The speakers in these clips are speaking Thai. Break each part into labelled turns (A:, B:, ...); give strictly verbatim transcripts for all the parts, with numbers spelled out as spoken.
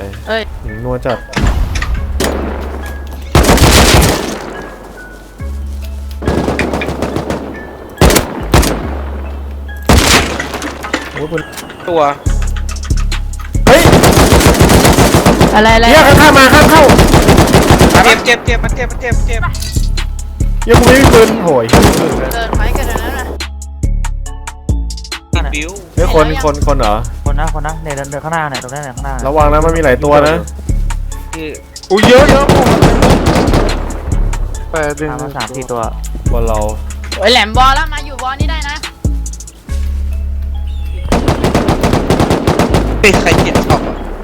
A: เอ้ย
B: หญิงนัวจัดโอ้ยคุณ
C: ตัว
B: เฮ้ย
A: อะไรอะไร
B: เฮียข้ามมาข้ามเข้า
C: เจ็บเจ็บเจ็บมันเจ็บมันเจ็บเจ็บ
B: เฮียกูไม่มีปืนโหย
A: เดินไปกันนั้นน่ะ
C: ติดบิ้ว
B: เฮ้ยคนคนคนเหรอ
D: คนนะคนนะเนี่ยเดินเดินข้างหน้าเนี่ยตรงนี้เนี่ยข้างหน้า
B: ระวังนะมันมีหลายตัวนะ
C: อุ้ยเยอะเยอะ
D: แปดดึงมาสามสี่ตัว
B: บอลเรา
A: โอ้ยแหลมบอลแล้วมาอยู่บอลนี่ได้นะ
C: เฮ้ยใครเจ็บชอบ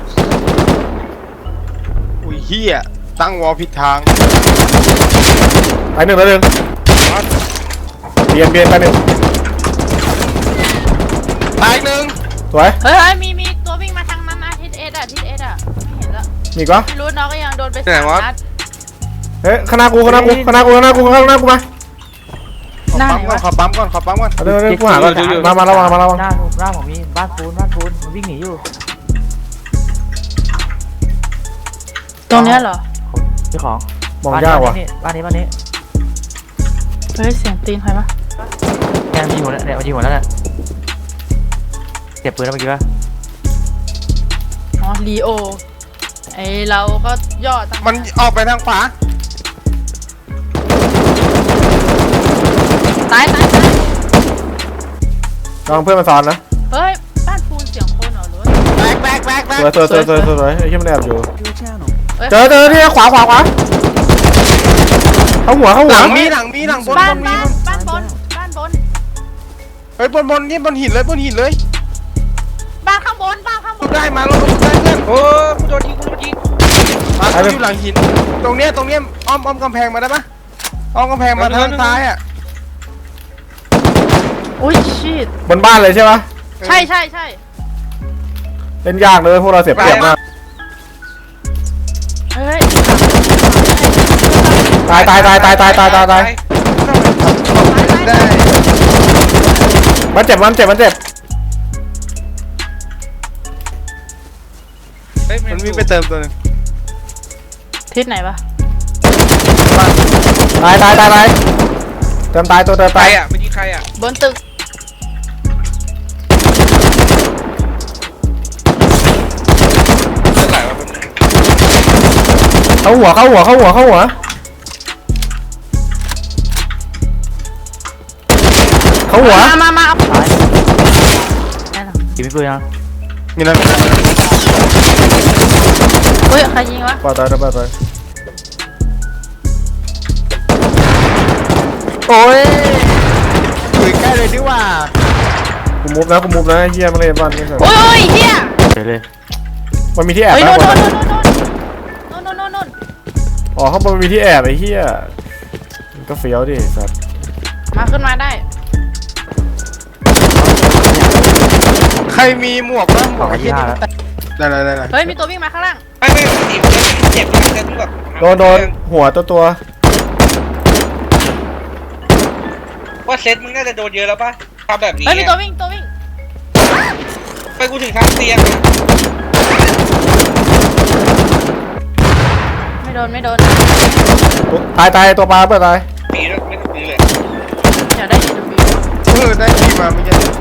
C: อุ้ยเฮียตั้งวอลผิดทาง
B: ไปหนึ่งแล้วหนึ่งเบียนเบียนไปหนึ่ง
C: ตายหนึ่ง
B: สวย
A: เฮ้ยมีมีตัววิ่งมาทางนั้นนะทิศเอสอะทิศเอสอะไม่เห็นแล้ว
B: มีก็
A: ไม่รู้น้องก็ยังโดนไปสามนัด
B: เฮ้ยข้างหน้ากูข้างหน้ากูข้างหน้ากูข้างหน้ากูข้างหน้ากูมา
C: ปั๊มก่อนขอปั๊มก่อนขอปั๊มก่อน
B: เดี๋ยวเดี๋ยวกูหาก่อนมามาระวังมาระวัง
D: หน้าหน้าผมมีบ้านปูนบ้านปูนมันวิ่งหนีอยู่
A: ตรงนี้เหรอ
D: เจ้าของ
B: มองยากว่ะ
D: บ้านนี้บ้านนี้
A: เฮ้ยเสียงตีนใครปะ
D: แกมีหัวเนี่ยมันยิงหัวแล้วเนี่ยเก็บปืนแล้วเมื่อกี้ป่ะ
A: อ๋อลีโอไอเราก็ย่อตั้ง
C: มันออกไปทางขวา
A: ตายตายตาย
B: ลองเพื่อนมาซ้อนนะ
A: เฮ้ยบ้านปูนเสียงคนเหรอหรือ
C: แบกแบกแบกแบก
B: สวยสวยสวยสวยสวยไอ้ที่มันแอบอยู่เจอเจอที่ขวาขวาขวาเข้าหัวเข้าหัว
C: หลังมีหลังมีหลังบน
A: บ้าน
C: มี
A: บ้านบนบ้านบน
C: เฮ้ยบนบนนี่บนหินเลยบนหินเลย
A: บ้านข้างบนบ้านข้างบน
C: ได้มาลงได้เพื่อนโอ้กูโดนยิงกูโดนยิงมาอยู่หลังหินตรงเนี้ยตรงเนี้ยอ้อมอ้อมกำแพงมาได้ปะอ้อมกำแพงมาทางซ้ายอ่ะ
A: อุ้ยชิด
B: บนบ้านเลยใช่ปะ
A: ใช่ใช่ใช่
B: เล่นยากเลยพวกเราเสียเปรียบมาก
A: เฮ้ย
B: ตายตายตายตายตายตายตายตาย
C: ได้
B: มันเจ็บมันเจ็บมันเจ็บ
C: มันวิ่งไปเติมตัวนึง
A: ทิศไหนปะ
B: ตายตายตายตายเติมตายตัวเติมตาย
C: อ่ะไม่ยิงใครอ่ะ
A: บนตึก
B: เข้าหัวเข้าหัวเข้าหัวเข้าหัวเข้าหัว
A: มามามาเอา
D: ตายยิงไม่ปืนยัง
C: มีนั่น
A: เฮ้ยใครยิงวะ
B: ปาตายปาตาย
C: โอ้ยถึงใกล้เลยดีว่า
B: กูมุฟนะกูมุฟนะเฮียมาเลยบ้านนี่สิ
A: โอ้ยเฮีย
D: เฉยเลย
B: มันมีที่แอบ
A: โน่นโน่นโน่นโน่นโน่นโน่น
B: อ๋อข้างบนมีที่แอบไอ้เฮียมันก็เฟี้ยวดิสัตว์
A: มาขึ้นมาได้
C: ใครมีหมวกบ้างหมวกไอ้เหี้ยได้ได้ได้
A: เฮ้ยมีตัววิ่งมาข้างล่าง
C: ไม่ไม่ตีเจ็บเจ็บแบบ
B: โดนโดนหัวตัวตัว
C: ว่าเซตมึงน่าจะโดนเยอะแล้วป่ะทำแบบนี้
A: เฮ้ยมีตัววิ่งตัววิ่ง
C: ไปกูถึงทางเตียง
A: ไม่โดนไม่โดน
B: ตายตายตัวปลาเปิดตาย
C: ปีแล้วไม่ต้องปีเลย
A: อยากได้
C: เออได้ปีมาไม่ใช่